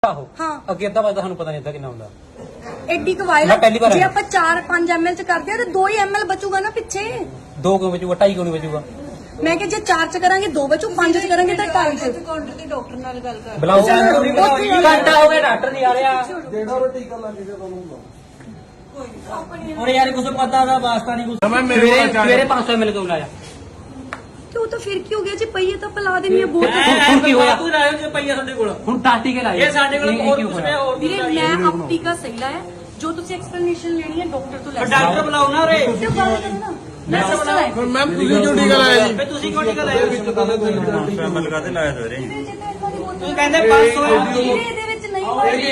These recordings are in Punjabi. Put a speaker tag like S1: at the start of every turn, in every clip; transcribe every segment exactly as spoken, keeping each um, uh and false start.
S1: ਆਹੋ
S2: ਹਾਂ
S1: ਅੱਗੇ ਅੱਧਾ ਵਜੇ ਤੁਹਾਨੂੰ ਪਤਾ ਨਹੀਂ ਅੱਧਾ ਕਿੰਨਾ ਹੁੰਦਾ
S2: ਐਡੀ ਕਵਾਇਲ ਜੇ ਆਪਾਂ ਚਾਰ ਪੰਜ ਐਮਐਲ ਚ ਕਰਦੇ ਆ ਤੇ ਦੋ ਹੀ ਐਮਐਲ ਬਚੂਗਾ ਨਾ ਪਿੱਛੇ
S1: ਦੋ ਕਿਉਂ ਬਚੂਗਾ ਢਾਈ ਕਿਉਂ ਨਹੀਂ ਬਚੂਗਾ
S2: ਮੈਂ ਕਿ ਜੇ ਚਾਰ ਚ ਕਰਾਂਗੇ ਦੋ ਬਚੂ ਪੰਜ ਚ ਕਰਾਂਗੇ ਤਾਂ ਢਾਈ ਚ
S3: ਕਾਊਂਟਰ ਤੇ ਡਾਕਟਰ ਨਾਲ ਗੱਲ ਕਰ
S1: ਬੁਲਾਓ ਘੰਟਾ ਹੋ ਗਿਆ ਡਾਕਟਰ ਨਹੀਂ ਆ ਰਿਹਾ
S4: ਜਿਹੜਾ ਉਹ ਟੀਕਾ ਲੱਗ ਗਿਆ ਤੁਹਾਨੂੰ
S1: और यार कुछ पता था वास्ता नहीं कुछ मेरे पाँच सौ मिल के बुलाया
S2: क्यों तो फिर की हो गया जी पहिए तो पिला देनी है बहुत
S1: ਹੁਣ ਕੀ ਹੋਇਆ ਤੂੰ ਲਾਇਆ ਜੇ ਪਈਆ ਸਾਡੇ ਕੋਲ ਹੁਣ ਟਾਟੀ ਕੇ ਲਾਇਆ ਇਹ ਸਾਡੇ ਕੋਲ ਹੋਰ ਕੁਝ ਨਹੀਂ ਹੋਰ
S2: ਵੀਰੇ ਮੈਂ ਆਪ ਟੀਕਾ ਸਹੀ ਲਾਇਆ ਜੋ ਤੁਸੀਂ ਐਕਸਪਲੇਨੇਸ਼ਨ ਲੈਣੀ ਹੈ ਡਾਕਟਰ ਤੋਂ ਲੈ
S1: ਡਾਕਟਰ ਬੁਲਾਓ ਨਾ ਰੇ
S2: ਤੇ ਗੱਲ ਕਰੋ ਨਾ ਮੈਂ ਸਿਸਟਰ ਹੈ
S4: ਮੈਮ ਤੁਸੀਂ ਕਿਉਂ ਟੀਕਾ ਲਾਇਆ ਜੀ
S1: ਫੇ ਤੁਸੀਂ ਕਿਉਂ ਟੀਕਾ ਲਾਇਆ
S4: ਮੈਂ ਲਗਾ ਤੇ ਲਾਇਆ ਸਵੇਰੇ
S1: ਤੂੰ ਕਹਿੰਦੇ ਪੰਜ ਸੌ
S2: ਵੀਰੇ ਇਹਦੇ ਵਿੱਚ ਨਹੀਂ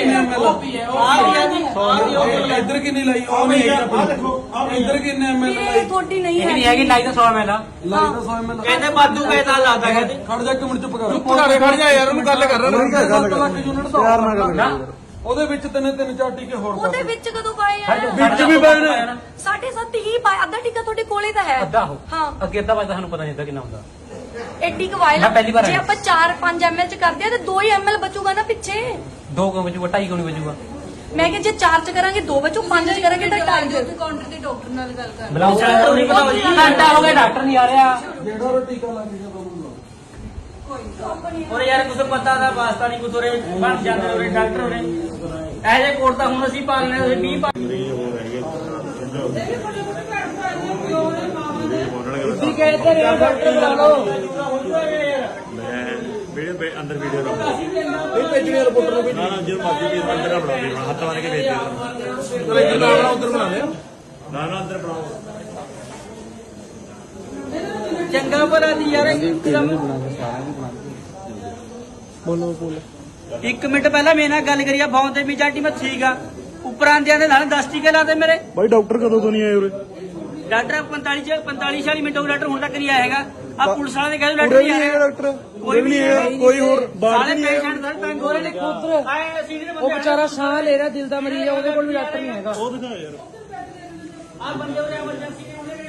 S4: ਇੱਧਰ ਕਿੰਨੀ ਲਾਈ ਉਹ ਨਹੀਂ ਆ ਦੇਖੋ ਇੱਧਰ ਕਿੰਨੇ ਐਮਐਲ
S2: ਵੀਰੇ ਤੁਹਾਡੀ ਨਹੀਂ
S1: ਨਹੀਂ
S2: ਹੈ
S1: ਹੈਗੀ ਲਾਈ ਤਾਂ ਸੌ ਮੈਲਾ
S4: ਲਾਈ ਤਾਂ ਸੌ ਐਮਐਲ
S1: ਕਹਿੰਦੇ ਬਾਦੂ ਕਹਿਤਾ ਲਾਦਾ ਕਹਿੰਦੇ
S4: ਖੜ ਜਾ ਇੱਕ ਮਿੰਟ ਚੁੱਪ ਕਰ ਚੁੱਪ ਕਰ ਖੜ ਜਾ ਯਾਰ ਉਹਨੂੰ ਗੱਲ ਕਰ ਰਿਹਾ ਨਾ ਸੱਤ ਲੱਖ ਯੂਨਿਟ ਦਾ ਪਿਆਰ ਨਾਲ ਗੱਲ ਉਹਦੇ ਵਿੱਚ ਤਿੰਨ ਤਿੰਨ ਚਾਰ ਟੀਕੇ ਹੋਰ
S2: ਉਹਦੇ ਵਿੱਚ ਕਦੋਂ ਪਾਏ ਆ
S4: ਵਿੱਚ ਵੀ ਪਾਏ ਨੇ
S2: ਸਾਢੇ ਸੱਤ ਹੀ ਪਾਏ ਅੱਧਾ ਟੀਕਾ ਤੁਹਾਡੇ ਕੋਲੇ ਤਾਂ ਹੈ
S1: ਅੱਧਾ ਹੋ
S2: ਹਾਂ
S1: ਅੱਗੇ ਅੱਧਾ ਵਜੇ ਤੁਹਾਨੂੰ ਪਤਾ ਨਹੀਂ ਅੱਧਾ ਕਿੰਨਾ ਹੁੰਦਾ
S2: ਐਡੀ ਕਵਾਇਲ
S1: ਮੈਂ ਪਹਿਲੀ ਵਾਰ
S2: ਜੇ
S1: ਆਇਆ।
S2: ਆਪਾਂ ਚਾਰ ਪੰਜ ਐਮਐਲ ਚ ਕਰਦੇ ਆ ਤੇ ਦੋ ਹੀ ਐਮਐਲ ਬਚੂਗਾ ਨਾ ਪਿੱਛੇ
S1: ਦੋ ਕਿਉਂ ਬਚੂਗਾ ਢਾਈ ਕਿਉਂ ਨਹੀਂ ਬਚੂਗਾ
S2: ਮੈਂ ਕਿ ਜੇ ਚਾਰ ਚ ਕਰਾਂਗੇ ਦੋ ਬਚੂ ਪੰਜ ਚ ਕਰਾਂਗੇ ਤਾਂ ਢਾਈ ਚ
S3: ਕਾਊਂਟਰ ਤੇ ਡਾਕਟਰ ਨਾਲ ਗੱਲ ਕਰ
S1: ਬੁਲਾਓ ਡਾਕਟਰ ਨਹੀਂ ਪਤਾ ਜੀ ਘੰਟਾ ਹੋ ਗਿਆ ਡਾਕਟਰ ਨਹੀਂ ਆ ਰਿਹਾ
S4: ਜਿਹੜਾ ਉਹ ਟੀਕਾ ਲੱਗ ਗਿਆ ਤੁਹਾਨੂੰ
S1: ਔਰ ਯਾਰ ਕੁਝ ਪਤਾ ਦਾ ਵਾਸਤਾ ਨਹੀਂ ਕੁਝ ਉਰੇ ਬਣ ਜਾਂਦੇ ਉਰੇ ਡਾਕਟਰ ਉਰੇ ਇਹ ਜੇ ਕੋਟ ਤਾਂ ਹੁਣ ਅਸੀਂ ਪਾਲਨੇ ਤੁਸੀਂ ਵੀਹ ਪਾ ਤੁਸੀਂ ਕਹਿੰਦੇ ਰਹੇ ਡਾਕਟਰ ਬੁਲਾ ਲਓ
S5: ਵੀਡੀਓ ਅੰਦਰ ਵੀਡੀਓ ਰੋ
S4: ਇਹ ਭੇਜਣੀ ਰਿਪੋਰਟਰ ਨੂੰ ਵੀ
S5: ਨਾ ਨਾ ਜਦੋਂ ਮਰਜ਼ੀ ਵੀ ਅੰਦਰ ਨਾ ਬਣਾਓ ਹੱਥ ਮਾਰ ਕੇ ਵੇਚ ਦਿਓ
S4: ਚਲੋ ਇੱਧਰ ਨਾਲ ਉਧਰ ਬਣਾ ਲਿਆ
S5: ਨਾ ਨਾ ਅੰਦਰ ਬਣਾਓ
S1: ਚੰਗਾ ਭਲਾ ਦੀ ਯਾਰ
S4: ਬੋਲੋ ਬੋਲੋ
S1: ਇੱਕ ਮਿੰਟ ਪਹਿਲਾਂ ਮੇਰੇ ਨਾਲ ਗੱਲ ਕਰੀਆ ਫੋਨ ਤੇ ਮਿਜਾਟੀ ਮੈਂ ਠੀਕ ਆ ਉੱਪਰ ਆਂਦਿਆਂ ਦੇ ਨਾਲ ਦਸ ਟੀਕੇ ਲਾਦੇ ਮੇਰੇ
S5: ਬਾਈ ਡਾਕਟਰ ਕਦੋਂ ਤੋਂ ਨਹੀਂ ਆਏ ਉਰੇ
S1: ਡਾਕਟਰ ਪੰਤਾਲੀ ਚ ਪੰਤਾਲੀ ਛਿਆਲੀ ਮਿੰਟ ਹੋ ਗਏ ਡਾਕਟਰ ਹੁਣ ਤੱਕ ਨਹੀਂ ਆਇਆ ਹੈਗਾ ਆ ਪੁਲਿਸ ਵਾਲੇ ਨੇ ਕਹਿੰਦੇ ਡਾਕਟਰ ਨਹੀਂ ਆਇਆ
S4: ਡਾਕਟਰ
S1: ਕੋਈ ਵੀ ਨਹੀਂ ਹੈਗਾ
S4: ਕੋਈ ਹੋਰ ਬਾਹਰ
S1: ਸਾਰੇ ਪੇਸ਼ੈਂਟ ਸਾਰੇ ਤੰਗ ਹੋ ਰਹੇ ਨੇ ਉਧਰ ਆਏ ਸੀਨੀਅਰ ਬੰਦੇ ਉਹ ਵਿਚਾਰਾ ਸਾਹ ਲੈ ਰਿਹਾ ਦਿਲ ਦਾ ਮਰੀਜ਼ ਆ ਉਹਦੇ ਕੋਲ ਵੀ ਡਾਕਟਰ ਨਹੀਂ ਹੈਗਾ
S5: ਉਹ ਦਿਖਾ ਯਾਰ
S1: ਆ ਬੰਦੇ ਉਰੇ ਐਮਰਜੈਂਸੀ ਦੇ ਉਹਦੇ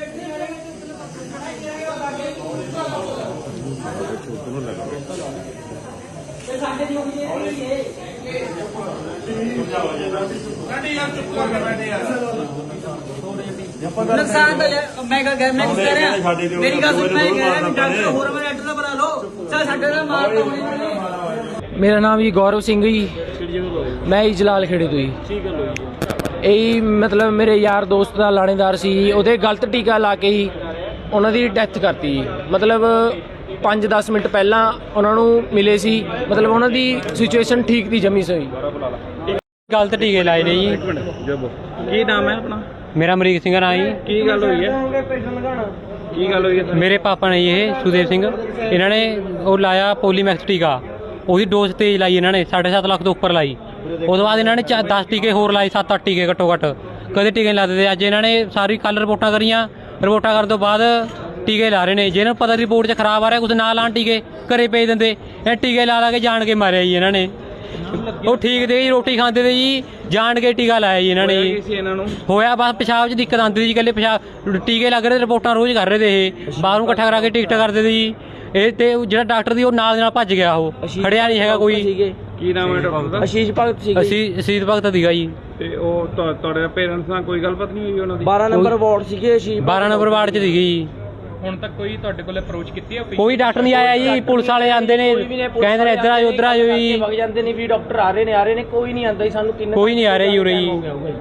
S1: ਤੇ ਸਾਡੇ ਦੀ ਹੋਈ ਹੈ ਨੁਕਸਾਨ ਤਾਂ ਮੈਂ ਕਹ ਮੈਂ ਕਹਿ ਰਿਹਾ ਮੇਰੀ ਗੱਲ ਸੁਣ ਮੈਂ ਕਹਿ ਰਿਹਾ ਡਾਕਟਰ ਹੋਰ ਮੈਂ ਡਾਕਟਰ ਦਾ ਬਣਾ ਲਓ ਚੱਲ ਸਾਡੇ ਨਾਲ ਮਾਰ ਤਾਂ ਹੋਣੀ ਨਹੀਂ
S6: ਮੇਰਾ ਨਾਮ ਜੀ ਗੌਰਵ ਸਿੰਘ ਜੀ ਮੈਂ ਜੀ ਜਲਾਲ ਖੇੜੇ ਤੋਂ ਜੀ
S5: ਠੀਕ ਹੈ ਲੋ
S6: ਇਹ ਮਤਲਬ ਮੇਰੇ ਯਾਰ ਦੋਸਤ ਦਾ ਲਾਣੇਦਾਰ ਸੀ ਉਹਦੇ ਗਲਤ ਟੀਕਾ ਲਾ ਕੇ ਹੀ ਉਹਨਾਂ ਦੀ ਡੈਥ ਕਰਤੀ ਜੀ ਮਤਲਬ ਪੰਜ ਦਸ ਮਿੰਟ ਪਹਿਲਾਂ ਉਹਨਾਂ ਨੂੰ ਮਿਲੇ ਸੀ ਮਤਲਬ ਉਹਨਾਂ ਦੀ ਸਿਚੁਏਸ਼ਨ ਠੀਕ ਦੀ ਜਮੀ ਸਹੀ ਗਲਤ ਟੀਕੇ ਲਾਏ ਨੇ ਜੀ
S4: ਕੀ ਨਾਮ ਹੈ ਆਪਣਾ
S6: ਮੇਰਾ ਅਮਰੀਕ ਸਿੰਘ ਨਾਂ ਜੀ
S4: ਕੀ ਗੱਲ ਹੋਈ ਹੈ ਕੀ ਗੱਲ ਹੋਈ ਹੈ
S6: ਮੇਰੇ ਪਾਪਾ ਨੇ ਜੀ ਇਹ ਸੁਦੇਵ ਸਿੰਘ ਇਹਨਾਂ ਨੇ ਉਹ ਲਾਇਆ ਪੋਲੀਮੈਕਸ ਟੀਕਾ ਉਹਦੀ ਡੋਜ਼ ਤੇਜ਼ ਲਾਈ ਇਹਨਾਂ ਨੇ ਸਾਢੇ ਸੱਤ ਲੱਖ ਤੋਂ ਉੱਪਰ ਲਾਈ ਉਸ ਤੋਂ ਬਾਅਦ ਇਹਨਾਂ ਨੇ ਦਸ ਟੀਕੇ ਹੋਰ ਲਾਏ ਸੱਤ ਅੱਠ ਟੀਕੇ ਘੱਟੋ ਘੱਟ ਕਦੇ ਟੀਕੇ ਨਹੀਂ ਲਾਦੇ ਤੇ ਅੱਜ ਇਹਨਾਂ ਨੇ ਸਾਰੀ ਕੱਲ ਰਿਪੋਰਟਾਂ ਕਰੀਆਂ ਰਿਪੋਰਟਾਂ ਕਰਨ ਤੋਂ ਬਾਅਦ ਟੀਕੇ ਲਾ ਰਹੇ ਨੇ ਜਿਹਨਾਂ ਨੂੰ ਪਤਾ ਰਿਪੋਰਟ 'ਚ ਖਰਾਬ ਆ ਰਿਹਾ ਕੁਝ ਨਾ ਲਾਣ ਟੀਕੇ ਘਰੇ ਭੇਜ ਦਿੰਦੇ ਇਹ ਟੀਕੇ ਲਾ ਲਾ ਕੇ ਜਾਣ ਕੇ ਮਾਰਿਆ ਜੀ ਇਹਨਾਂ ਨੇ ਉਹ ਠੀਕ ਦੇ ਜੀ ਰੋਟੀ ਖਾਂਦੇ ਤੇ ਜੀ ਜਾਣ ਕੇ ਟੀਕਾ ਲਾਇਆ ਜੀ ਇਹਨਾਂ ਨੇ ਜੀ
S4: ਇਹਨਾਂ ਨੂੰ
S6: ਹੋਇਆ ਬਸ ਪਿਸ਼ਾਬ 'ਚ ਦਿੱਕਤ ਆਉਂਦੀ ਸੀ ਇਕੱਲੇ ਪਿਸ਼ਾਬ ਟੀਕੇ ਲੱਗ ਰਹੇ ਰਿਪੋਰਟਾਂ ਰੋਜ਼ ਕਰ ਰਹੇ ਤੇ ਇਹ ਬਾਹਰੋਂ ਇਕੱਠਾ ਕਰਾ ਕੇ ਟਿਕਟ ਕਰਦੇ ਤੇ ਜੀ ਇਹ ਤੇ ਜਿਹੜਾ ਡਾਕਟਰ ਦੀ ਉਹ ਨਾਲ ਦੇ ਨਾਲ ਭੱਜ ਗਿਆ ਉਹ ਖੜਿਆ ਨਹੀਂ ਹੈਗਾ ਕੋਈ
S4: ਕੀ ਨਾਮ ਹੈ ਡਾਕਟਰ ਦਾ
S6: ਅਸ਼ੀਸ਼ ਭਗਤ ਸੀ ਅਸੀਂ ਅਸ਼ੀਸ਼ ਭਗਤ ਸੀਗਾ ਜੀ
S4: ਤੇ ਉਹ ਤੁਹਾ- ਤੁਹਾਡੇ ਪੇਰੈਂਟਸ ਨਾਲ ਕੋਈ ਗੱਲਬਾਤ ਨਹੀਂ ਹੋਈ ਉਹਨਾਂ ਦੀ
S6: ਬਾਰਾਂ ਨੰਬਰ ਵਾਰਡ ਸੀਗੇ ਅਸ਼ੀਸ਼ ਬਾਰਾਂ ਨੰਬਰ ਵਾਰਡ 'ਚ ਸੀਗੀ ਜੀ
S4: ਹੁਣ ਤੱਕ ਕੋਈ ਤੁਹਾਡੇ ਕੋਲ ਅਪਰੋਚ ਕੀਤੀ ਹੈ
S6: ਕੋਈ ਡਾਕਟਰ ਨਹੀਂ ਆਇਆ ਜੀ ਪੁਲਿਸ ਵਾਲੇ ਆਂਦੇ ਨੇ ਕਹਿੰਦੇ ਨੇ ਇੱਧਰ ਆਜੋ ਉੱਧਰ ਆਜੋ ਜੀ
S7: ਵਗ ਜਾਂਦੇ ਨੇ ਵੀ ਡਾਕਟਰ ਆ ਰਹੇ ਨੇ ਆ ਰਹੇ ਨੇ ਕੋਈ ਨਹੀਂ ਆਂਦਾ ਜੀ ਸਾਨੂੰ ਕਿੰਨੇ
S6: ਕੋਈ ਨਹੀਂ ਆ ਰਿਹਾ ਜੀ ਉਰੇ ਜੀ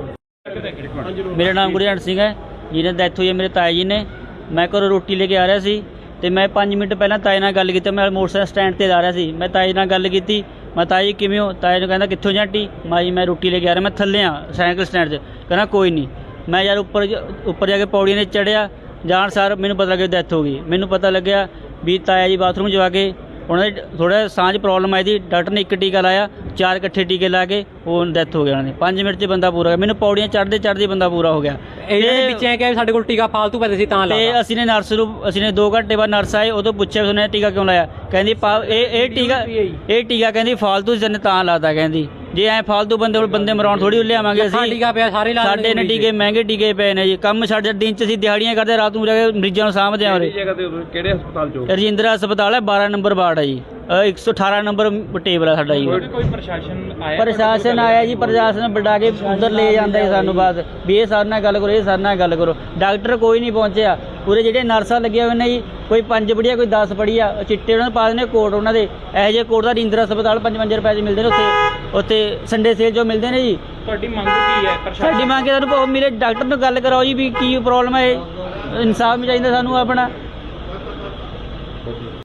S8: ਮੇਰਾ ਨਾਮ ਗੁਰਜੰਟ ਸਿੰਘ ਹੈ ਜਿਹਨੇ ਡੈਥ ਹੋਈ ਹੈ ਮੇਰੇ ਤਾਏ ਜੀ ਨੇ ਮੈਂ ਘਰੋਂ ਰੋਟੀ ਲੈ ਕੇ ਆ ਰਿਹਾ ਸੀ ਤੇ ਮੈਂ ਪੰਜ ਮਿੰਟ ਪਹਿਲਾਂ ਤਾਏ ਨਾਲ ਗੱਲ ਕੀਤੀ ਮੈਂ ਮੋਟਰਸਾਈਕਲ ਸਟੈਂਡ ਤੇ ਜਾ ਰਿਹਾ ਸੀ ਮੈਂ ਤਾਏ ਨਾਲ ਗੱਲ ਕੀਤੀ ਮੈਂ ਤਾਏ ਜੀ ਕਿਵੇਂ ਹੋ ਤਾਏ ਨੂੰ ਕਹਿੰਦਾ ਕਿੱਥੋਂ ਜਾਂਟੀ ਮੈਂ ਜੀ ਮੈਂ ਰੋਟੀ ਲੈ ਕੇ ਆ ਰਿਹਾ ਮੈਂ ਥੱਲੇ ਆ ਸਾਈਕਲ ਸਟੈਂਡ 'ਚ ਕਹਿੰਦਾ ਕੋਈ ਨਹੀਂ ਮੈਂ ਯਾਰ ਉੱਪਰ ਉੱਪਰ ਜਾ ਕੇ ਪੌੜੀਆਂ 'ਤੇ ਚੜ੍ਹਿਆ ਜਾਣ ਸਾਰ ਮੈਨੂੰ ਪਤਾ ਲੱਗਿਆ ਡੈਥ ਹੋ ਗਈ ਮੈਨੂੰ ਪਤਾ ਲੱਗਿਆ ਵੀ ਤਾਇਆ ਜੀ ਬਾਥਰੂਮ ਜਾ ਕੇ ਉਹਨਾਂ ਦੇ ਥੋੜ੍ਹਾ ਸਾਂਝ ਪ੍ਰੋਬਲਮ ਆਈ ਦੀ ਡਾਕਟਰ ਨੇ ਇੱਕ ਟੀਕਾ ਲਾਇਆ ਚਾਰ ਇਕੱਠੇ ਟੀਕੇ ਲਾ ਕੇ ਉਹ ਡੈਥ ਹੋ ਗਿਆ ਉਹਨਾਂ ਦੀ ਪੰਜ ਮਿੰਟ 'ਚ ਬੰਦਾ ਪੂਰਾ ਹੋ ਗਿਆ ਮੈਨੂੰ ਪੌੜੀਆਂ ਚੜ੍ਹਦੇ ਚੜ੍ਹਦੇ ਬੰਦਾ ਪੂਰਾ ਹੋ ਗਿਆ
S6: ਇਹਨਾਂ ਦੇ ਵਿੱਚ ਐ ਕਿ ਸਾਡੇ ਕੋਲ ਟੀਕਾ ਫਾਲਤੂ ਪੈਸੇ ਸੀ ਤਾਂ
S8: ਤੇ
S6: ਲਾਇਆ
S8: ਅਸੀਂ ਨੇ ਨਰਸ ਨੂੰ ਅਸੀਂ ਨੇ ਦੋ ਘੰਟੇ ਬਾਅਦ ਨਰਸ ਆਏ ਉਦੋਂ ਪੁੱਛਿਆ ਉਹਨੇ ਟੀਕਾ ਕਿਉਂ ਲਾਇਆ ਕਹਿੰਦੀ ਪਾ- ਇਹ ਇਹ ਟੀਕਾ ਇਹ ਟੀਕਾ ਕਹਿੰਦੀ ਫਾਲਤੂ ਜਨ ਤਾਂ ਲਾਤਾ ਕਹਿੰਦੀ ਜੇ ਐ ਫਾਲਤੂ ਬੰਦੇ ਕੋਲ ਬੰਦੇ ਮਰਾਉਣ ਥੋੜੀ ਲਿਆਵਾਂਗੇ ਅਸੀਂ
S6: ਟੀਕਾ ਪਿਆ ਸਾਰੇ ਲਾ
S8: ਸਾਡੇ ਨੇ ਟੀਕੇ ਮਹਿੰਗੇ ਟੀਕੇ ਪਏ ਨੇ ਜੀ ਕੰਮ ਸਾਡੇ ਦਿਨ 'ਚ ਅਸੀਂ ਦਿਹਾੜੀਆਂ ਕਰਦੇ ਰਾਤ ਨੂੰ ਜਾ ਕੇ ਮਰੀਜ਼ਾਂ ਨੂੰ ਸਾਂਭਦੇ ਆ ਉਰੇ
S4: ਜਗ੍ਹਾ ਤੇ ਕਿਹੜੇ ਹਸਪਤਾਲ ਚੋਂ
S8: ਰਜਿੰਦਰਾ ਹਸਪਤਾਲ ਹੈ ਬਾਰਾਂ ਨੰਬਰ ਵਾਰਡ ਹੈ ਜੀ ਇੱਕ ਸੌ ਅਠਾਰਾਂ ਨੰਬਰ ਟੇਬਲ ਆ ਸਾਡਾ ਜੀ।
S7: ਕੋਈ ਪ੍ਰਸ਼ਾਸਨ ਆਇਆ?
S8: ਪ੍ਰਸ਼ਾਸਨ ਆਇਆ ਜੀ, ਪ੍ਰਸ਼ਾਸਨ ਬੁਲਾ ਕੇ ਉਧਰ ਲੈ ਜਾਂਦਾ ਜੀ ਸਾਨੂੰ ਬਸ ਵੀ ਇਹ ਸਾਡੇ ਨਾਲ ਗੱਲ ਕਰੋ, ਇਹ ਸਾਡੇ ਨਾਲ ਗੱਲ ਕਰੋ। ਡਾਕਟਰ ਕੋਈ ਨਹੀਂ ਪਹੁੰਚਿਆ। ਪੂਰੇ ਜਿਹੜੇ ਨਰਸਾਂ ਲੱਗੀਆਂ ਹੋਏ ਨੇ ਜੀ, ਕੋਈ ਪੰਜ ਪੜ੍ਹੀ ਆ, ਕੋਈ ਦਸ ਪੜ੍ਹੀ ਆ, ਚਿੱਟੇ ਉਹਨਾਂ ਨੂੰ ਪਾ ਦਿੰਦੇ ਕੋਟ ਉਹਨਾਂ ਦੇ। ਇਹੋ ਜਿਹੇ ਕੋਟ ਦਾ ਇੰਦਰਾ ਹਸਪਤਾਲ ਪੰਜ ਪੰਜ ਰੁਪਏ 'ਚ ਮਿਲਦੇ ਨੇ ਉੱਥੇ ਉੱਥੇ ਸੰਡੇ ਸੇਲ ਜੋ ਮਿਲਦੇ ਨੇ ਜੀ।
S7: ਤੁਹਾਡੀ ਮੰਗ ਕੀ ਹੈ ਪ੍ਰਸ਼ਾਸਨ?
S8: ਸਾਡੀ ਮੰਗ ਹੈ ਸਾਨੂੰ ਮੇਰੇ ਡਾਕਟਰ ਨਾਲ ਗੱਲ ਕਰਾਓ ਜੀ ਵੀ ਕੀ ਪ੍ਰੋਬਲਮ ਹੈ, ਇਨਸਾਫ ਚਾਹੀਦਾ ਸਾਨੂੰ ਆਪਣਾ।